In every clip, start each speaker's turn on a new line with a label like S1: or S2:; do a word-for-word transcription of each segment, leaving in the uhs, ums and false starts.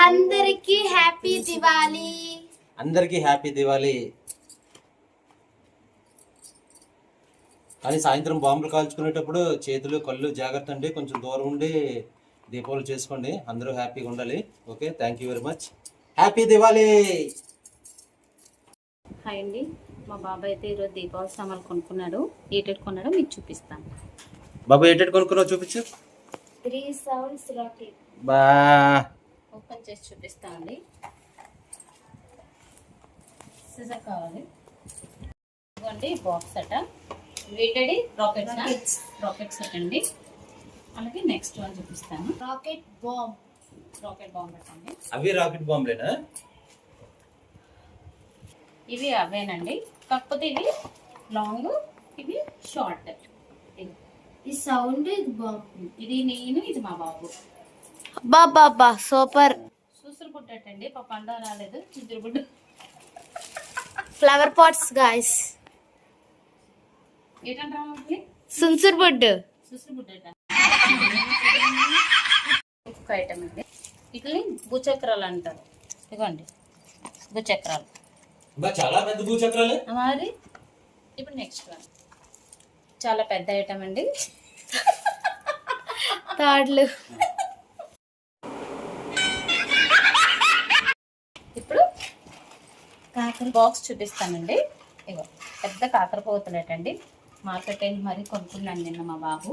S1: అందరికీ హ్యాపీ దివాళీ.
S2: అందరికీ హ్యాపీ దివాళీ. కానీ సాయంత్రం బాంబులు కాల్చుకునేటప్పుడు చేతులు కళ్ళు జాగ్రత్త అండి, కొంచెం దూరం ఉండి దీపావళి చేసుకోండి. అందరూ హ్యాపీగా ఉండాలి. Okay, thank you very much. Happy Diwali.
S3: Hi అండి, మా బాబాయ్ అయితే ఈరోజు దీపావళి సామాన్లు కొనుక్కున్నాడు. ఏటెట్ కొన్నాడో మీకు చూపిస్తాను.
S2: బాబు ఏటెట్ కొనుక్కున్నావు చూపించు.
S1: త్రీ సౌండ్స్ రాకెట్
S2: బా
S3: ఓపెన్ చేసి చూపిస్తామండి. సిజర్ కావాలి ఇదిగోండి, బాక్స్ అట వేటెడ్ రాకెట్ రాకెట్ సెట్ అండి. అలాగే నెక్స్ట్ వన్ చూపిస్తాను,
S1: రాకెట్ బాంబ్.
S3: రాకెట్ బాంబ్ అండి.
S2: అవి రాకెట్ బాంబులేనా?
S3: ఇవి అవేనండి, కాకపోతే ఇవి లాంగ్, ఇవి షార్ట్.
S1: ఈ సౌండ్ ఇది బాంబ్.
S3: ఇది నేను, ఇది మా బాబు.
S1: బాబా సూపర్.
S3: సూసురు బుడ్డటండి, పాప పండ రాలేదు. చిద్దురు బుడ్డు
S1: ఫ్లవర్ పాట్స్ గాయ్స్.
S3: ఏంటంటే
S1: సున్సుర్ బుడ్.
S3: సూసురు బుడ్డట ఇంకొక ఐటమ్ అండి. ఇట్లని భూచక్రాలు అంటారు. ఇదిగోండి భూచక్రాలు.
S2: చాలా పెద్ద భూచక్రాలే
S3: మరి. ఇప్పుడు నెక్స్ట్ వన్ చాలా పెద్ద ఐటమ్ అండి,
S1: తాడ్లు.
S3: ఇప్పుడు కాకర బాక్స్ చూపిస్తానండి. ఇగో పెద్ద కాకర పోతలేటండి. మార్కెట్ వెళ్ళి మరీ కొనుక్కున్నాను నిన్న మా బాబు.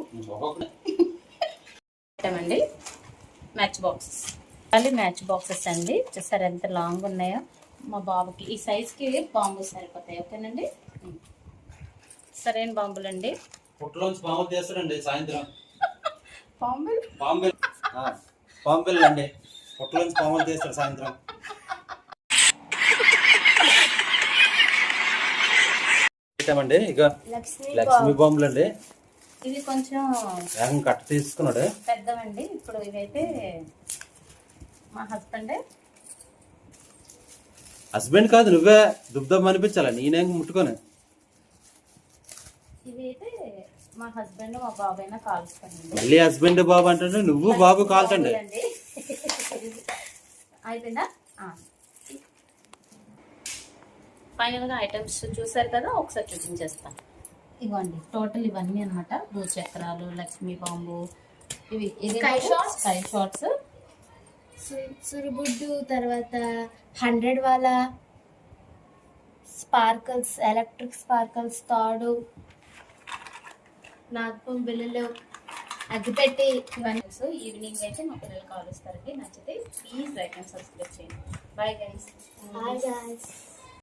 S3: అండి మ్యాచ్ బాక్సెస్, మళ్ళీ మ్యాచ్ బాక్సెస్ అండి. చూసారు ఎంత లాంగ్ ఉన్నాయో. మా బాబుకి ఈ సైజ్కి బాంబులు సరిపోతాయి. ఓకేనండి, సరైన బాంబులు అండి.
S2: పుట్టలోంచి బాంబులు తీస్తారండి సాయంత్రం.
S3: బాంబులు
S2: బాంబులు బాంబులు అండి, పుట్టలోంచి బాంబులు తీస్తారు సాయంత్రం. అండి ఇక లక్ష్మీ బాంబులు అండి.
S3: ఇవి కొంచెం
S2: కట్ట తీసుకున్నాడు
S3: పెద్దవండి. ఇప్పుడు ఇవైతే మా హస్బెండ్
S2: హస్బెండ్ కాదు, నువ్వే దుబ్దం అనిపించాలా, నేనేం ముట్టుకొని.
S3: ఇవైతే మా హస్బెండ్ మా బాబాయ్ కాల్చుకోండి.
S2: మళ్ళీ హస్బెండ్ బాబు అంటే నువ్వు బాబు కాల్చండి.
S3: అయిపోయిందా? ఫైనల్గా ఐటమ్స్ చూసారు కదా, ఒకసారి చూపించేస్తాను. ఇవ్వండి టోటల్ ఇవన్నీ అనమాట. భూచక్రాలు, లక్ష్మీ బాంబు, ఇవి స్కై షాట్స్, స్కై షాట్స్,
S1: సురుబుడ్డు, తర్వాత హండ్రెడ్ వాళ్ళ స్పార్కల్స్, ఎలక్ట్రిక్ స్పార్కల్స్, తాడు, నాగపం బిల్లులు, అగ్గిపెట్టి,
S3: ఇవన్నీ. సో ఈవినింగ్ అయితే మా పిల్లలు కాలుస్తారండి. నచ్చితే ప్లీజ్ లైక్ అండ్ సబ్స్క్రైబ్ చేయండి. Bye guys.
S1: Bye guys.